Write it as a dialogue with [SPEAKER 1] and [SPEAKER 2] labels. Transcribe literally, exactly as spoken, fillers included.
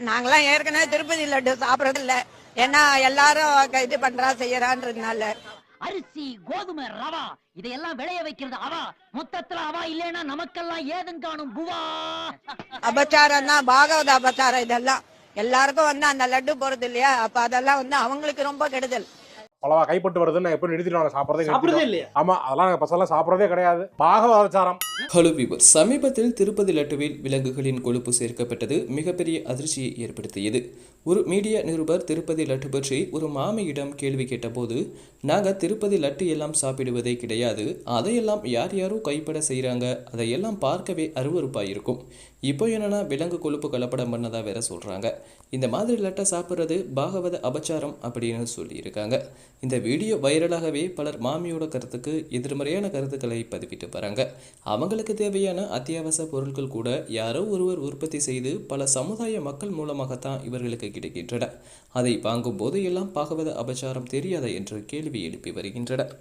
[SPEAKER 1] நாங்களாம் ஏற்கனவே திருப்பதி லட்டு சாப்பிடறது இல்ல. ஏன்னா எல்லாரும் இது பண்றா செய்யறான்றதுனால.
[SPEAKER 2] அரிசி, கோதுமை, ரவா இதையெல்லாம் விளைய வைக்கிறது அவா. மொத்தத்துல அவா இல்லைன்னா நமக்கெல்லாம் ஏதும் காணும் புவா.
[SPEAKER 1] அபச்சாரம் தான், பாகவத அபச்சாரம் இதெல்லாம். எல்லாருக்கும் வந்து அந்த லட்டு போறது இல்லையா, அப்ப அதெல்லாம் வந்து அவங்களுக்கு ரொம்ப கெடுதல்.
[SPEAKER 3] பலவா கைப்பட்டு வருதுன்னு எப்போ நிறுத்திடுவாங்க சாப்பிட்றதே
[SPEAKER 4] சாப்பிடுறதே இல்லையா?
[SPEAKER 3] ஆமா, அதெல்லாம் பசங்க சாப்பிட்றதே கிடையாது. பாகவதாச்சாரம்.
[SPEAKER 5] ஹலோ வியூவர்ஸ், சமீபத்தில் திருப்பதி லட்டுவில் விலங்குகளின் கொழுப்பு சேர்க்கப்பட்டது மிகப்பெரிய அதிர்ச்சியை ஏற்படுத்தியது. ஒரு மீடியா நிருபர் திருப்பதி லட்டு பற்றி ஒரு மாமியிடம் கேள்வி கேட்டபோது, நாங்கள் திருப்பதி லட்டு எல்லாம் சாப்பிடுவதே கிடையாது, அதையெல்லாம் யார் யாரோ கைப்பட செய்கிறாங்க, அதையெல்லாம் பார்க்கவே அருவருப்பாக இருக்கும். இப்போ என்னன்னா விலங்கு கொழுப்பு கலப்படம் பண்ணதா வேற சொல்கிறாங்க. இந்த மாதிரி லட்டை சாப்பிட்றது பாகவத அபச்சாரம் அப்படின்னு சொல்லியிருக்காங்க. இந்த வீடியோ வைரலாகவே பலர் மாமியோட கருத்துக்கு எதிர்மறையான கருத்துக்களை பதிவிட்டு வராங்க. அவங்களுக்கு தேவையான அத்தியாவசிய பொருட்கள் கூட யாரோ ஒருவர் உற்பத்தி செய்து பல சமுதாய மக்கள் மூலமாகத்தான் இவர்களுக்கு கிடைக்கின்றன. அதை வாங்கும் போது எல்லாம் பாகவத அபச்சாரம் தெரியாதா என்று கேள்வி எழுப்பி வருகின்றன.